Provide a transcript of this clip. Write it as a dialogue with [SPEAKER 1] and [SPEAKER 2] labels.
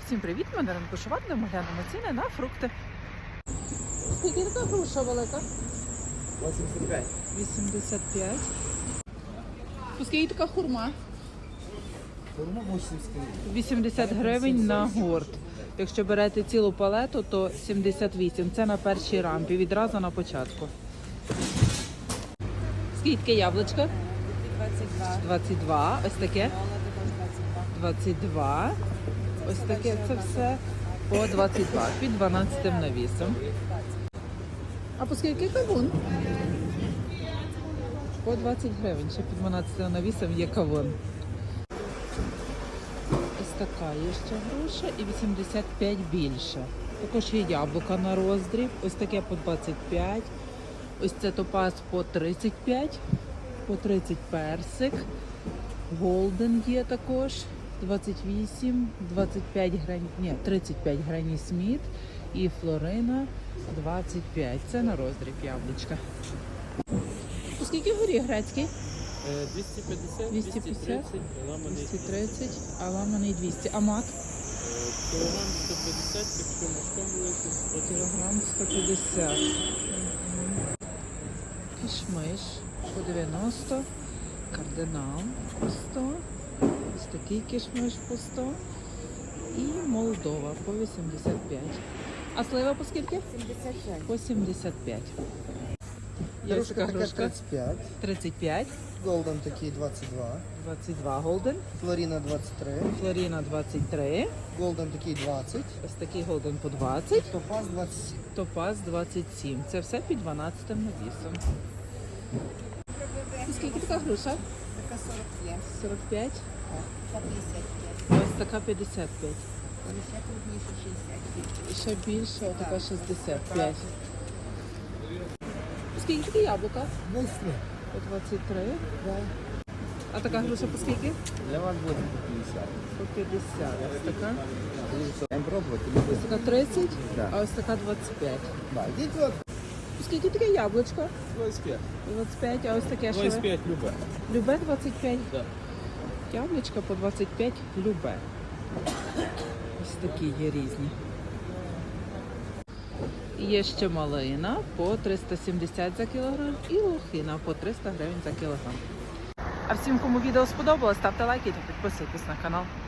[SPEAKER 1] Всім привіт! Ми на ринку Шоварного глянемо ціни на фрукти. Скільки така груша велика?
[SPEAKER 2] 85.
[SPEAKER 1] 85. Скільки така хурма?
[SPEAKER 2] Хурма 80 гривень.
[SPEAKER 1] 80 гривень на гурт. Якщо берете цілу палету, то 78. Це на першій рампі, відразу на початку. Скільки яблучка?
[SPEAKER 3] 22.
[SPEAKER 1] 22. Ось таке?
[SPEAKER 3] Молоде
[SPEAKER 1] 22.
[SPEAKER 3] 22.
[SPEAKER 1] Ось таке це все по 22, під 12 навісом. А по скільки кавун? По 20 гривень, ще під 12 навісом є кавун. Ось така є ще груша і 85 більше. Також є яблука на роздріб, ось таке по 25. Ось це топаз по 35, по 30 персик. Голден є також. 28, 25 грані, ні, 35 грані Сміт і Флорина 25. Це на роздріб яблучка. Скільки горіх грецький?
[SPEAKER 2] 250,
[SPEAKER 1] 250,
[SPEAKER 2] 230, ламаний
[SPEAKER 1] 230, а ламаний 200. А мак?
[SPEAKER 2] кілограм 150, якщо мішком великий, 100
[SPEAKER 1] Кілограм 150. Кішмиш по 90, кардинал по 100. Ось такий кішмиш по 100 і Молдова по 85. А слива по скільки?
[SPEAKER 3] 75.
[SPEAKER 1] По 75. Є
[SPEAKER 4] Грушка
[SPEAKER 1] така
[SPEAKER 4] така
[SPEAKER 1] грушка
[SPEAKER 4] 35,
[SPEAKER 1] 35,
[SPEAKER 4] Голден такий 22,
[SPEAKER 1] 22 голден,
[SPEAKER 4] Флоріна 23,
[SPEAKER 1] Флоріна 23,
[SPEAKER 4] Голден такий 20,
[SPEAKER 1] ось такий голден по 20,
[SPEAKER 4] Топаз 27.
[SPEAKER 1] топаз 27. Це все під 12 навісом. І скільки така груша?
[SPEAKER 3] Така 45.
[SPEAKER 1] 45,
[SPEAKER 3] Та 55.
[SPEAKER 1] ось така 55.
[SPEAKER 3] Ще крупніше 60.
[SPEAKER 1] І ще більше, така 65. Скільки такі яблука?
[SPEAKER 4] 23.
[SPEAKER 1] По 23. А така груша по скільки?
[SPEAKER 2] Для вас буде по 50.
[SPEAKER 1] По 50. Ось така.
[SPEAKER 2] Будемо пробувати.
[SPEAKER 1] Ось така 30,
[SPEAKER 2] Да.
[SPEAKER 1] а ось така 25.
[SPEAKER 4] Да, йдіть от.
[SPEAKER 1] Скільки таке яблучко?
[SPEAKER 2] 25.
[SPEAKER 1] 25, а ось таке що?
[SPEAKER 2] 25 любе.
[SPEAKER 1] Любе 25.
[SPEAKER 2] Да.
[SPEAKER 1] Яблучка по 25 любе. Ось такі є різні. Є ще малина по 370 за кілограм і лохина по 300 гривень за кілограм. А всім, кому відео сподобалось, ставте лайки та підписуйтесь на канал.